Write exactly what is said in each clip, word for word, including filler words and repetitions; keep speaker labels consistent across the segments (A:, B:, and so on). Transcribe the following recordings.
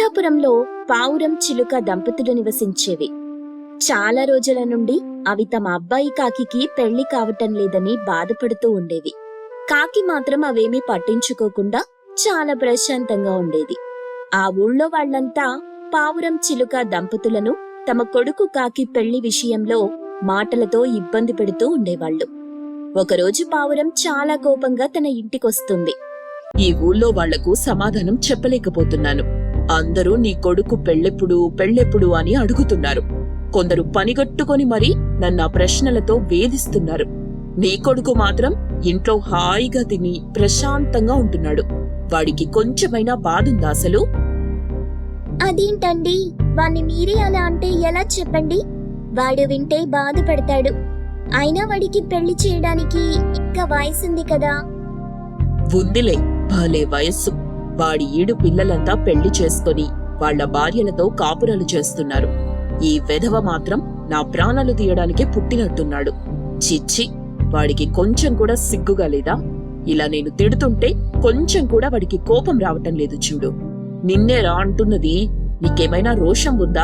A: పిచ్చాపురంలో పావురం చిలుక దంపతులు నివసించేవి. చాలా రోజుల నుండి అవి తమ అబ్బాయి కాకికి పెళ్లి కావటం లేదని బాధపడుతూ ఉండేవి. కాకి మాత్రం అవేమీ పట్టించుకోకుండా చాలా ప్రశాంతంగా ఉండేది. ఆ ఊళ్ళో వాళ్లంతా పావురం చిలుక దంపతులను తమ కొడుకు కాకి పెళ్లి విషయంలో మాటలతో ఇబ్బంది పెడుతూ ఉండేవాళ్లు. ఒకరోజు పావురం చాలా కోపంగా తన ఇంటికొస్తుంది.
B: ఈ ఊళ్ళో వాళ్లకు సమాధానం చెప్పలేకపోతున్నాను. అందరూ నీ కొడుకు పెళ్ళెప్పుడు పెళ్ళెప్పుడు అని అడుగుతున్నారు. కొందరు పనిగట్టుకొని మరీ నన్ను ఆ ప్రశ్నలతో వేధిస్తున్నారు. నీ కొడుకు మాత్రం ఇంట్లో హాయిగా తిని ప్రశాంతంగా ఉంటున్నాడు. వాడికి కొంచెమైనా బాధుందా అసలు?
A: అదేంటండి, వాణ్ణి మీరే అలా అంటే ఎలా చెప్పండి? వాడు వింటే బాధపడతాడు. అయినా వాడికి పెళ్లి చేయడానికి ఇంకా వయసుంది కదా.
B: ఉందిలే, భలే వయస్సు. వాడి ఈడు పిల్లలంతా పెళ్లి చేసుకుని వాళ్ల భార్యలతో కాపురాలు చేస్తున్నారు. ఈ వెధవ మాత్రం నా ప్రాణాలు తీయడానికే పుట్టినట్టున్నాడు. చిచ్చి, వాడికి కొంచెం కూడా సిగ్గుగా లేదా? ఇలా నేను తిడుతుంటే కొంచెం కూడా వాడికి కోపం రావటం లేదు చూడు. నిన్నేరా అంటున్నది. నీకేమైనా రోషం ఉందా?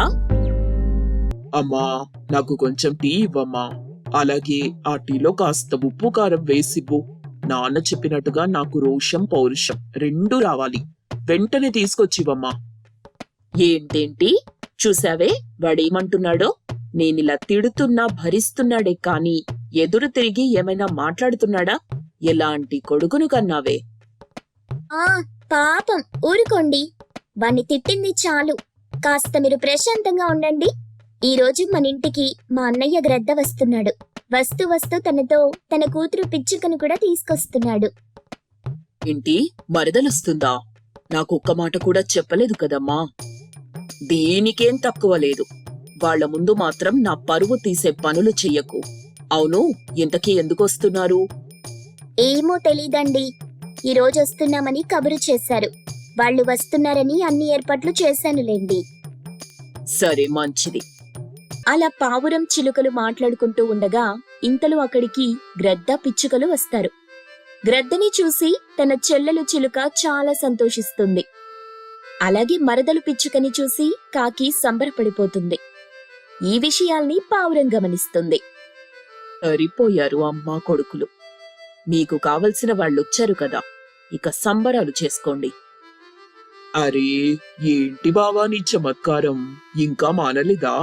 C: అమ్మా, నాకు కొంచెం టీ ఇవ్వమ్మా. అలాగే ఆ టీలో కాస్త ఉప్పు కారం వేసివ్వు. నాన్న చెప్పినట్టుగా నాకు రోషం పౌరుషం రెండూ రావాలి. వెంటనే తీసుకొచ్చివమ్మా.
B: ఏంటేంటి చూసావే వాడేమంటున్నాడో? నేనిలా తిడుతున్నా భరిస్తున్నాడే కాని ఎదురు తిరిగి ఏమైనా మాట్లాడుతున్నాడా? ఎలాంటి కొడుకును కన్నావే?
A: ఆ పాపం, ఊరుకోండి. వాణ్ణి తిట్టింది చాలు. కాస్త మీరు ప్రశాంతంగా ఉండండి. ఈ రోజు మన ఇంటికి మా అన్నయ్య గ్రద్ద వస్తున్నాడు. వస్తూ వస్తూ తనతో తన కూతురు పిచ్చుకను కూడా తీసుకొస్తున్నాడు.
B: ఏంటి, మరదలొస్తుందా? నాకు ఒక్క మాట కూడా చెప్పలేదు కదమ్మా. దీనికేం తక్కువ లేదు. వాళ్ల ముందు మాత్రం నా పరువు తీసే పనులు చెయ్యకు. అవును, ఇంతకీ ఎందుకొస్తున్నారు?
A: ఏమో తెలీదండి. ఈ రోజు వస్తున్నామని కబురు చేశారు. వాళ్ళు వస్తున్నారని అన్ని ఏర్పాట్లు చేశానులేండి.
B: సరే, మంచిది.
A: అలా పావురం చిలుకలు మాట్లాడుకుంటూ ఉండగా ఇంతలో అక్కడికి గ్రద్ద పిచ్చుకలు వస్తారు. గ్రద్దని చూసి తన చెల్లెలు చిలుక చాలా సంతోషిస్తుంది. అలాగే మరదలు పిచ్చుకని చూసి కాకి సంబరపడిపోతుంది. ఈ విషయాల్ని పావురం గమనిస్తుంది.
B: సరిపోయారు అమ్మా కొడుకులు. మీకు కావలసిన వాళ్ళొచ్చారు కదా, ఇక సంబరాలు చేసుకోండి.
C: అరే, ఏంటి బావా నీ చమత్కారం ఇంకా మానలేదా?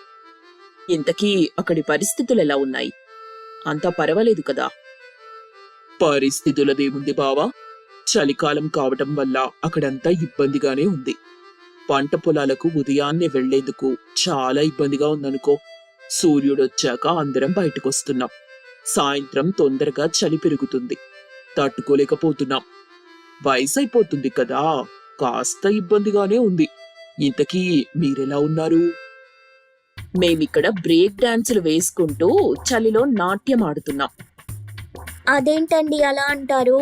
B: ఇంతకీ అక్కడి పరిస్థితులెలా ఉన్నాయి? అంతా పర్వాలేదు కదా?
C: పరిస్థితులదేముంది బావా, చలికాలం కావటం వల్ల అక్కడంతా ఇబ్బందిగానే ఉంది. పంట పొలాలకు ఉదయాన్నే వెళ్లేందుకు చాలా ఇబ్బందిగా ఉందనుకో. సూర్యుడొచ్చాక అందరం బయటకొస్తున్నాం. సాయంత్రం తొందరగా చలి పెరుగుతుంది. తట్టుకోలేకపోతున్నాం. వయసైపోతుంది కదా, కాస్త ఇబ్బందిగానే ఉంది. ఇంతకీ మీరెలా ఉన్నారు?
B: మేమిక్కడ బ్రేక్ డాన్సులు వేసుకుంటూ చలిలో నాట్యం ఆడుతున్నాం.
A: అదేంటండి అలా అంటారు?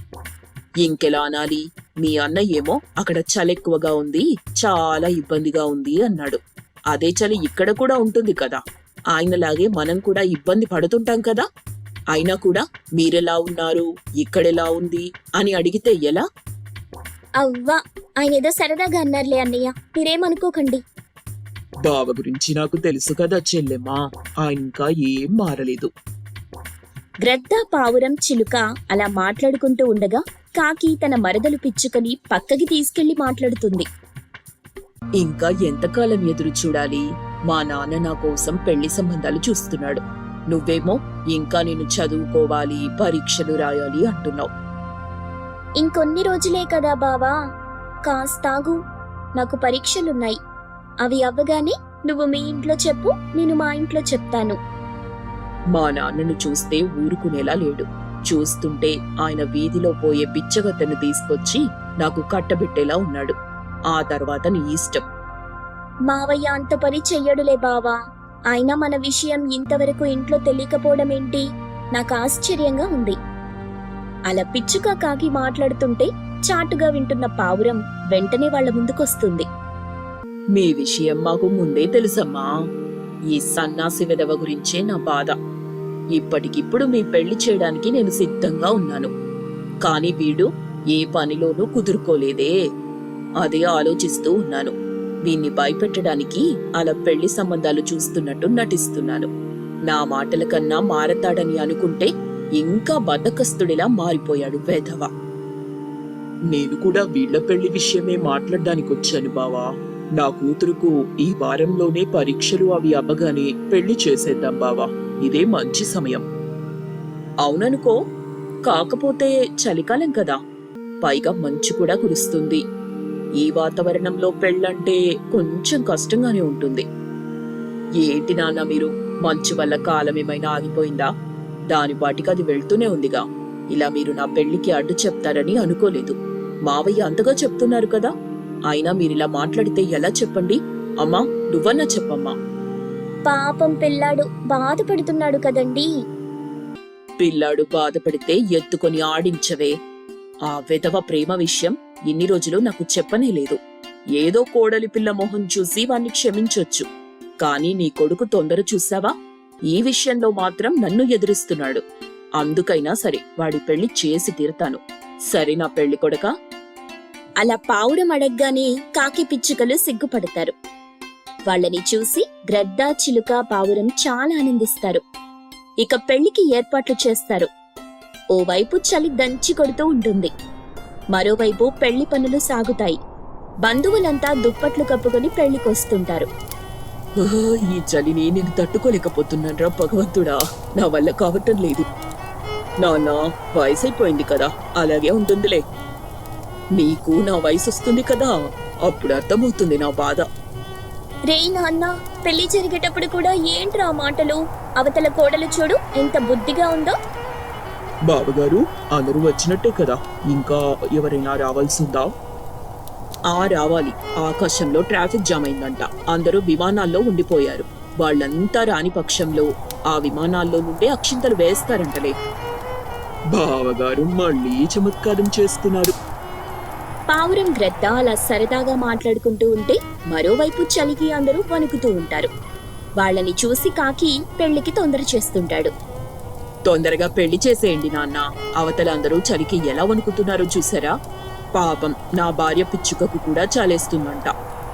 B: ఇంకెలా అనాలి? మీ అన్నయ్యేమో అక్కడ చలెక్కువగా ఉంది, చాలా ఇబ్బందిగా ఉంది అన్నాడు. అదే చలి ఇక్కడ కూడా ఉంటుంది కదా. ఆయనలాగే మనం కూడా ఇబ్బంది పడుతుంటాం కదా. అయినా కూడా మీరెలా ఉన్నారు, ఇక్కడెలా ఉంది అని అడిగితే ఎలా?
A: అవ్వా, ఆయన ఏదో సరదాగా అన్నారులే అన్నయ్య, మీరేమనుకోకండి.
C: బావ గురించి నాకు తెలుసు కదా చెల్లెమ్మా, ఆయన ఇంకా ఏం మారలేదు.
A: గ్రద్ద పావురం చిలుక అలా మాట్లాడుకుంటూ ఉండగా కాకి తన మరదలు పిచ్చుకని పక్కకి తీసుకెళ్లి మాట్లాడుతుంది.
B: ఇంకా ఎంతకాలం ఎదురు చూడాలి? మా నాన్న నా కోసం పెళ్లి సంబంధాలు చూస్తున్నాడు. నువ్వేమో ఇంకా నేను చదువుకోవాలి, పరీక్షలు రాయాలి అంటున్నావు.
A: ఇంకొన్ని రోజులే కదా బావా, కాస్తాగు. నాకు పరీక్షలున్నాయి. అవి అవ్వగానే నువ్వు మీ ఇంట్లో చెప్పు, నేను మా ఇంట్లో చెప్తాను.
B: మా నాన్నను చూస్తే ఊరుకునేలా లేడు. చూస్తుంటే ఆయన వీధిలో పోయే బిచ్చగత్తెను తీసుకొచ్చి నాకు కట్టబెట్టేలా ఉన్నాడు. ఆ తర్వాత నీ ఇష్టం.
A: మావయ్య అంత పని చెయ్యడులే బావా. అయినా మన విషయం ఇంతవరకు ఇంట్లో తెలియకపోవడం ఏంటి? నాకు ఆశ్చర్యంగా ఉంది. అలా పిచ్చుక కాకి మాట్లాడుతుంటే చాటుగా వింటున్న పావురం వెంటనే వాళ్ల ముందుకొస్తుంది.
B: మీ విషయం మాకు ముందే తెలుసమ్మా. ఈ సన్నాసి విధవ గురించే నా బాధ. ఇప్పటికిప్పుడు మీ పెళ్లి చేయడానికి నేను సిద్ధంగా ఉన్నాను. కాని వీడు ఏ పనిలోనూ కుదురుకోలేదే. అదే ఆలోచిస్తూ ఉన్నాను. వీన్ని భయపెట్టడానికి అలా పెళ్లి సంబంధాలు చూస్తున్నట్టు నటిస్తున్నాను. నా మాటల కన్నా మారతాడని అనుకుంటే ఇంకా బద్దకస్తుడిలా మారిపోయాడు వెధవ.
C: నేను కూడా వీళ్ల పెళ్లి విషయమే మాట్లాడడానికి వచ్చాను బావా. నా కూతురుకు ఈ వారంలోనే పరీక్షలు అవి అవ్వగానే పెళ్లి చేసేద్దాం బావా. ఇదే మంచి సమయం.
B: అవుననుకో, కాకపోతే చలికాలం కదా, పైగా మంచు కూడా కురుస్తుంది. ఈ వాతావరణంలో పెళ్ళంటే కొంచెం కష్టంగానే ఉంటుంది. ఏంటి నాన్న మీరు, మంచు వల్ల కాలం ఏమైనా ఆగిపోయిందా? దాని పాటికి అది వెళ్తూనే ఉందిగా. ఇలా మీరు నా పెళ్లికి అడ్డు చెప్తారని అనుకోలేదు. మావయ్య అంతగా చెప్తున్నారు కదా, అయినా మీరిలా మాట్లాడితే ఎలా చెప్పండి? అమ్మా, నువ్వన్నా చెప్పమ్మా.
A: పాపం పిల్లాడు బాధపడుతున్నాడు కదండీ.
B: పిల్లాడు బాధపడితే ఎత్తుకొని ఆడించవే. ఆ వెధవ ప్రేమ విషయం ఇన్ని రోజులు నాకు చెప్పనే లేదు. ఏదో కోడలి పిల్ల మొహం చూసి వాణ్ణి క్షమించొచ్చు, కానీ నీ కొడుకు తొందర చూసావా? ఈ విషయంలో మాత్రం నన్ను ఎదిరిస్తున్నాడు. అందుకైనా సరే వాడి పెళ్లి చేసి తీరుతాను. సరే నా పెళ్లి కొడకా?
A: అలా పావురం అడగ్గానే కాకి పిచ్చుకలు సిగ్గుపడతారు. వాళ్ళని చూసి గ్రద్ద, చిలుక, పావురం చాలా ఆనందిస్తారు. ఇక పెళ్లికి ఏర్పాట్లు చేస్తారు. ఓవైపు చలి దంచి కొడుతూ ఉంటుంది, మరోవైపు పెళ్లి పనులు సాగుతాయి. బంధువులంతా దుప్పట్లు కప్పుకొని పెళ్లికొస్తుంటారు.
B: ఆహ్, ఈ చలిని నేను తట్టుకోలేకపోతున్నాన్రా భగవంతుడా, నా వల్ల కావటం లేదు. నాన్న, వయసైపోయింది కదా, అలాగే ఉంటుందిలే. నీకు నా వయసు వస్తుంది కదా, అప్పుడు అర్థమవుతుంది నా బాధ.
A: రే నాన్న, పెళ్లి జరిగేటప్పుడు కూడా ఏంట్రా మాటలు? అవతల కోడలు చూడు ఎంత బుద్ధిగా ఉందో.
C: బావగారు, అందరూ వచ్చినట్టే కదా, ఇంకా ఎవరైనా రావాల్సిందా?
B: ఆ రావాలి. ఆకాశంలో ట్రాఫిక్ జామ్ అయిందంట, అందరూ విమానాల్లో ఉండిపోయారు. వాళ్ళంతా రాని పక్షంలో ఆ విమానాల్లో నుండే అక్షింతలు వేస్తారంటలే.
C: బావగారు మళ్ళీ చమత్కారం చేస్తున్నారు.
A: పావురం, గ్రద్ద అలా సరదాగా మాట్లాడుకుంటూ ఉంటే మరోవైపు చలికి అందరూ వణుకుతూ ఉంటారు. వాళ్ళని చూసి కాకి పెళ్లికి తొందర చేస్తుంటాడు.
B: తొందరగా పెళ్లి చేసేయండి నాన్న, అవతల అందరూ చలికి ఎలా వణుకుతున్నారో చూసారా? పాపం నా భార్య పిచ్చుకకు కూడా చాలేస్తుందంట.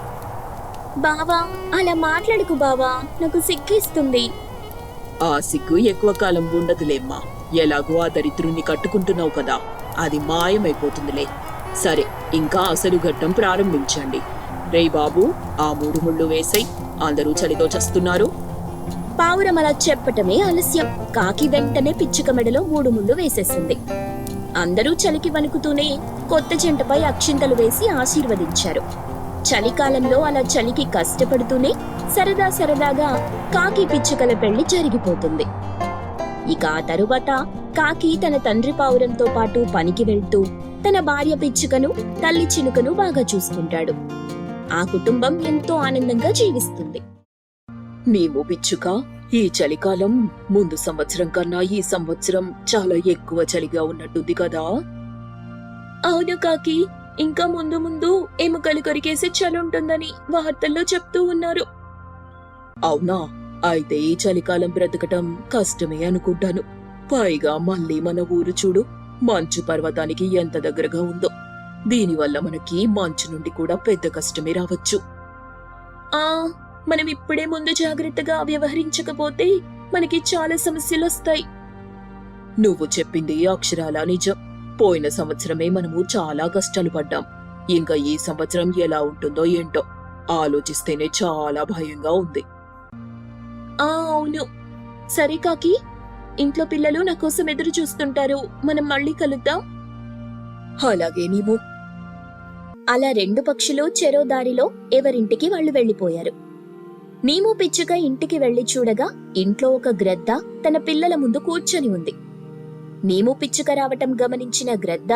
A: బావా, అలా మాట్లాడుకు బావా, నాకు సిగ్గేస్తుంది.
B: ఆ సిగ్గు ఎక్కువ కాలం ఉండదులేమ్మా. ఎలాగో ఆ దరిద్రుణ్ణి కట్టుకుంటున్నావు కదా, అది మాయమైపోతుందిలే. సరే, ఇంకా అసలు ఘట్టం ప్రారంభించండి. రే బాబు, ఆ మూడు ముళ్ళు వేసై, అందరూ చలితో చస్తున్నారు.
A: పావురం అలా చెప్పటమే ఆలస్యం. కాకి వెంటనే పిచ్చుక మెడలో మూడు ముళ్ళు వేసేసింది. అందరూ చలికి వణుకుతూనే కొత్త జంటపై అక్షింతలు వేసి ఆశీర్వదించారు. చలికాలంలో అలా చలికి కష్టపడుతూనే సరదా సరదాగా కాకి పిచ్చుకల పెళ్లి జరిగిపోతుంది. ఇక ఆ తరువాత కాకి తన తండ్రి పావురంతో పాటు పనికి వెళ్తూ తన భార్య పిచ్చుకను, తల్లి చిలుకను బాగా చూసుకుంటాడు. ఆ కుటుంబం ఎంతో ఆనందంగా జీవిస్తుంది.
B: నీవు పిచ్చుక, ఈ చలికాలం ముందు సంవత్సరం కన్నా ఈ సంవత్సరం చాలా ఎక్కువ చలిగా ఉన్నట్టుంది కదా.
A: అవును కాకి, ఇంకా ముందు ముందు ఎముకలు కొరికేసి చలి ఉంటుందని వార్తల్లో చెప్తూ ఉన్నారు.
B: అవునా? అయితే ఈ చలికాలం బ్రతకటం కష్టమే అనుకుంటాను. పైగా మళ్ళీ మన ఊరు చూడు, మంచు పర్వతానికి ఎంత దగ్గరగా ఉందో. దీనివల్ల మనకి మంచు నుండి కూడా పెద్ద కష్టమే రావచ్చు.
A: ఆ మనం ఇప్పుడే ముందు జాగ్రత్తగా వ్యవహరించకపోతే మనకి చాలా సమస్యలు వస్తాయి.
B: నువ్వు చెప్పింది అక్షరాలా నిజం. పోయిన సంవత్సరమే మనము చాలా కష్టాలు పడ్డాం. ఇంకా ఈ సంవత్సరం ఎలా ఉంటుందో ఏంటో ఆలోచిస్తేనే చాలా భయంగా ఉంది.
A: ఆ అవును. సరే కాకి, ఇంట్లో పిల్లలు నా కోసం ఎదురు చూస్తుంటారు, మనం మళ్ళీ కలుద్దాం.
B: అలాగే నీవు.
A: అలా రెండు పక్షులు చెరో దారిలో ఎవరింటికి వాళ్ళు వెళ్లిపోయారు. నీము పిచ్చుక ఇంటికి వెళ్లి చూడగా ఇంట్లో ఒక గ్రద్ద తన పిల్లల ముందు కూర్చొని ఉంది. నీము పిచ్చుక రావటం గమనించిన గ్రద్ద,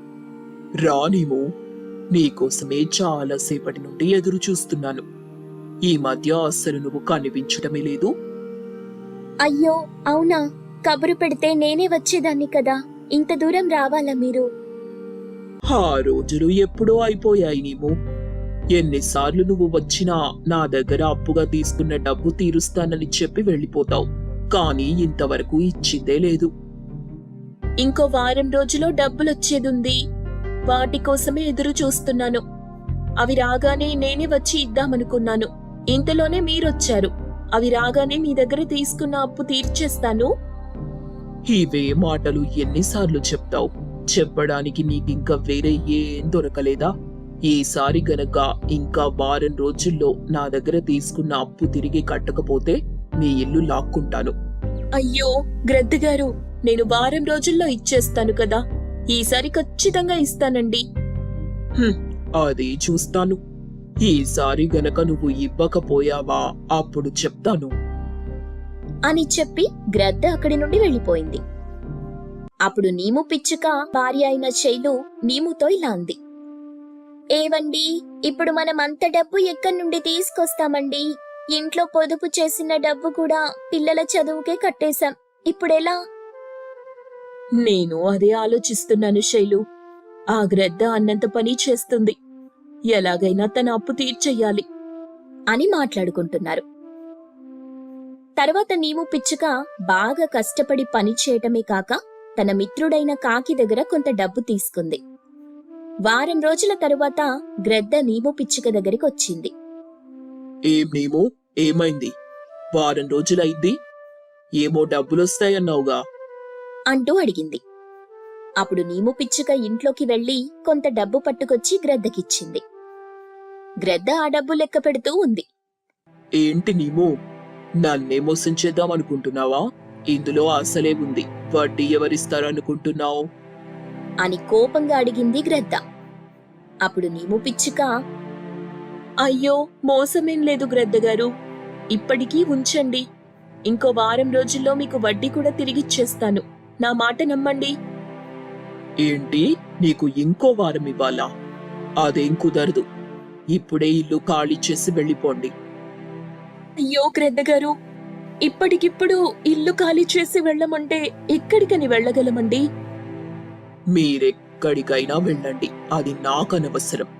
C: రానేమో, నీకోసమే చాలా సేపటి నుండి ఎదురు చూస్తున్నాను. ఈ మధ్య అస్సలు నువ్వు కనిపించటమే లేదు.
A: అయ్యో అవునా, కబురు పెడితే నేనే వచ్చేదాన్ని కదా, ఇంత దూరం రావాలా మీరు?
C: ఆ రోజులు ఎప్పుడో అయిపోయాయి నీము. ఎన్నిసార్లు నువ్వు వచ్చినా నా దగ్గర అప్పుగా తీసుకున్న డబ్బు తీరుస్తానని చెప్పి వెళ్ళిపోతావు, కానీ ఇంతవరకు ఇచ్చిందే లేదు.
A: ఇంకో వారం రోజులో డబ్బులొచ్చేదుంది, వాటి కోసమే ఎదురు చూస్తున్నాను. అవి రాగానే నేనే వచ్చి ఇద్దామనుకున్నాను. ఇంతలోనే మీరొచ్చారు. అవి రాగానే మీ దగ్గర తీసుకున్న అప్పు తీర్చేస్తాను.
C: ఇవే మాటలు ఎన్నిసార్లు చెప్తావు? చెప్పడానికి నీకింకా వేరే ఏం దొరకలేదా? ఈసారి గనక ఇంకా వారం రోజుల్లో నా దగ్గర తీసుకున్న అప్పు తిరిగి కట్టకపోతే మీ ఇల్లు లాక్కుంటాను.
A: అయ్యో గ్రద్దగారు, నేను వారం రోజుల్లో ఇచ్చేస్తాను కదా. ఈసారి ఖచ్చితంగా ఇస్తానండి.
C: హ్మ్, అది చూస్తాను. ఈసారి గనక నువ్వు ఇవ్వకపోయావా అప్పుడు చెప్తాను
A: అని చెప్పి గ్రద్ద అక్కడి నుండి వెళ్ళిపోయింది. అప్పుడు నీము పిచ్చుక భార్య అయిన శైలు నీముతో ఇలా అంది. ఏవండి, ఇప్పుడు మనం అంత డబ్బు ఎక్కడి నుండి తీసుకొస్తామండి? ఇంట్లో పొదుపు చేసిన డబ్బు కూడా పిల్లల చదువుకే కట్టేశాం. ఇప్పుడెలా? నేను అదే ఆలోచిస్తున్నాను శైలు. ఆ గ్రద్ద అన్నంత పని చేస్తుంది. ఎలాగైనా తన అప్పు తీర్చెయ్యాలి అని మాట్లాడుకుంటున్నారు. తర్వాత నీము పిచ్చుక బాగా కష్టపడి పని చేయటమే కాక తన మిత్రుడైన కాకి దగ్గర కొంత డబ్బు తీసుకుంది. వారం రోజుల తరువాత గ్రద్ద నీము పిచ్చుక దగ్గరికి వచ్చింది.
C: ఏం నీము, ఏమైంది? వారం రోజులైంది, ఏమో డబ్బులొస్తాయన్నావుగా
A: అంటూ అడిగింది. అప్పుడు నీము పిచ్చుక ఇంట్లోకి వెళ్లి కొంత డబ్బు పట్టుకొచ్చి గ్రద్దకిచ్చింది. గ్రద్ద ఆ డబ్బు లెక్క పెడుతూ ఉంది.
C: ఏంటి నీము, నన్నే మోసం చేద్దామనుకుంటున్నావా? ఇందులో అసలే ఉంది, వడ్డీ ఎవరిస్తారనుకుంటున్నావు
A: అని కోపంగా అడిగింది గ్రద్ద. అప్పుడు నీము పిచ్చుక, అయ్యో మోసమేం లేదు గ్రద్దగారు, ఇప్పటికీ ఉంచండి. ఇంకో వారం రోజుల్లో మీకు వడ్డీ కూడా తిరిగిచ్చేస్తాను. నా మాట నమ్మండి.
C: ఏంటి, నీకు ఇంకో వారం ఇవ్వాలా? అదేం కుదరదు. ఇప్పుడే ఇల్లు ఖాళీ చేసి వెళ్ళిపోండి.
A: అయ్యో గ్రద్దగారు, ఇప్పటికిప్పుడు ఇల్లు ఖాళీ చేసి వెళ్ళమంటే ఎక్కడికని వెళ్ళగలమండి?
C: మీరెక్కడికైనా వెళ్ళండి, అది నాకనవసరం.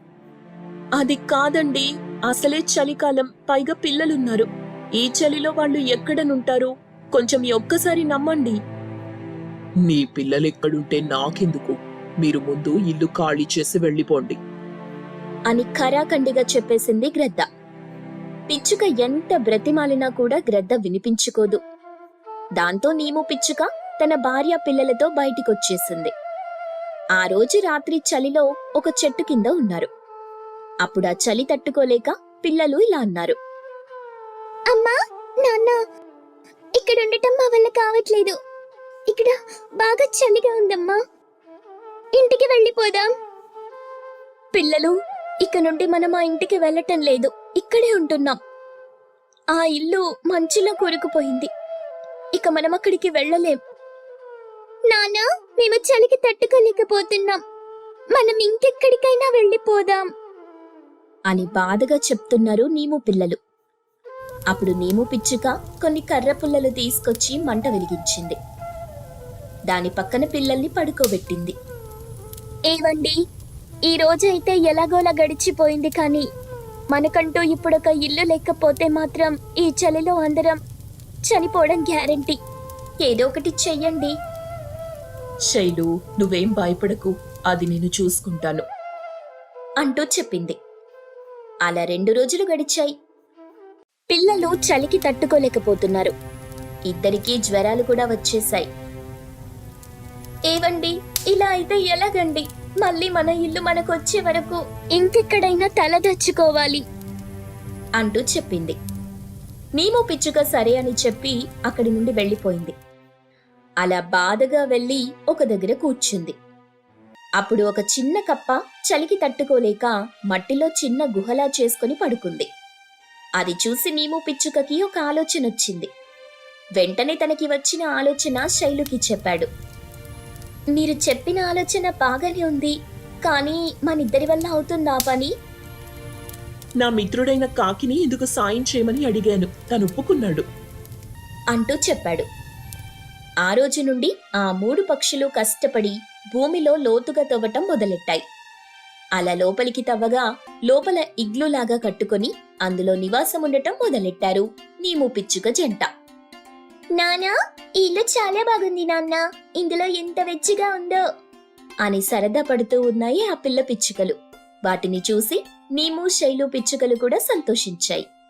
A: అది కాదండి, అసలే చలికాలం, పైగా పిల్లలున్నారు. ఈ చలిలో వాళ్ళు ఎక్కడనుంటారు? కొంచెం ఈ ఒక్కసారి నమ్మండి.
C: నీ పిల్లలెక్కడుంటే నాకెందుకు? మీరు ముందు ఇల్లు ఖాళీ చేసి వెళ్ళిపోండి
A: అని ఖరాఖండిగా చెప్పేసింది గ్రద్ద. పిచ్చుక ఎంత బ్రతిమాలినా కూడా గ్రద్ద వినిపించుకోదు. దాంతో నీము పిచ్చుక తన భార్య పిల్లలతో బయటికొచ్చేసింది. ఆ రోజు రాత్రి చలిలో ఒక చెట్టు కింద ఉన్నారు. అప్పుడు ఆ చలి తట్టుకోలేక పిల్లలు ఇలా అన్నారు. అమ్మా, నాన్న, ఇక్కడ ఉండటం మా వల్ల కావట్లేదు. ఇక్కడ బాగా చలిగా ఉందమ్మా. ఇంటికి వెళ్ళిపోదాం. పిల్లలు, ఇక నుండి మనం ఆ ఇంటికి వెళ్ళటం లేదు, ఇక్కడే ఉంటున్నాం. ఆ ఇల్లు మంచులో కూరుకుపోయింది. ఇక మనం అక్కడికి వెళ్ళలేం. నానా, మేము చలికి తట్టుకోలేకపోతున్నాం. మనం ఇంకెక్కడికైనా వెళ్ళిపోదాం అని బాధగా చెప్తున్నారు నీము పిల్లలు. అప్పుడు నీము పిచ్చుక కొన్ని కర్ర పుల్లలు తీసుకొచ్చి మంట వెలిగించింది. దాని పక్కన పిల్లల్ని పడుకోబెట్టింది. ఏవండి, ఈ రోజైతే ఎలాగోలా గడిచిపోయింది, కానీ మనకంటూ ఇప్పుడొక ఇల్లు లేకపోతే మాత్రం ఈ చలిలో అందరం చనిపోవడం గ్యారంటీ. ఏదో ఒకటి చెయ్యండి.
B: శైలు, నువ్వేం భయపడకు, అది నేను చూసుకుంటాను
A: అంటూ చెప్పింది. అలా రెండు రోజులు గడిచాయి. పిల్లలు చలికి తట్టుకోలేకపోతున్నారు. ఇద్దరికీ జ్వరాలు కూడా వచ్చేశాయి. ఏవండి, ఇలా అయితే ఎలాగండి? మళ్ళీ మన ఇల్లు మనకొచ్చే వరకు ఇంకెక్కడైనా తలదచ్చుకోవాలి అంటూ చెప్పింది. నీము పిచ్చుక సరే అని చెప్పి అక్కడి నుండి వెళ్ళిపోయింది. అలా బాధగా వెళ్ళి ఒక దగ్గర కూర్చుంది. అప్పుడు ఒక చిన్న కప్ప చలికి తట్టుకోలేక మట్టిలో చిన్న గుహలా చేసుకుని పడుకుంది. అది చూసి నీము పిచ్చుకకి ఒక ఆలోచన వచ్చింది. వెంటనే తనకి వచ్చిన ఆలోచన శైలుకి చెప్పాడు. మీరు చెప్పిన ఆలోచన బాగానే ఉంది, కానీ మనిద్దరి వల్ల అవుతుందా పని?
B: నా మిత్రుడైన కాకిని ఇందుకు సాయం చేయమని అడిగాను, తను ఒప్పుకున్నాడు
A: అంటూ చెప్పాడు. ఆ రోజు నుండి ఆ మూడు పక్షులు కష్టపడి భూమిలో లోతుగా తవ్వటం మొదలెట్టాయి. అలా లోపలికి తవ్వగా లోపల ఇగ్లులాగా కట్టుకొని అందులో నివాసం ఉండటం మొదలెట్టారు నీము పిచ్చుక జంట. నానా, ఈ ఇల్లు చాలా బాగుంది నాన్న, ఇందులో ఎంత వెచ్చిగా ఉందో అని సరదా పడుతూ ఉన్నాయి ఆ పిల్ల పిచ్చుకలు. వాటిని చూసి నీము శైలు పిచ్చుకలు కూడా సంతోషించాయి.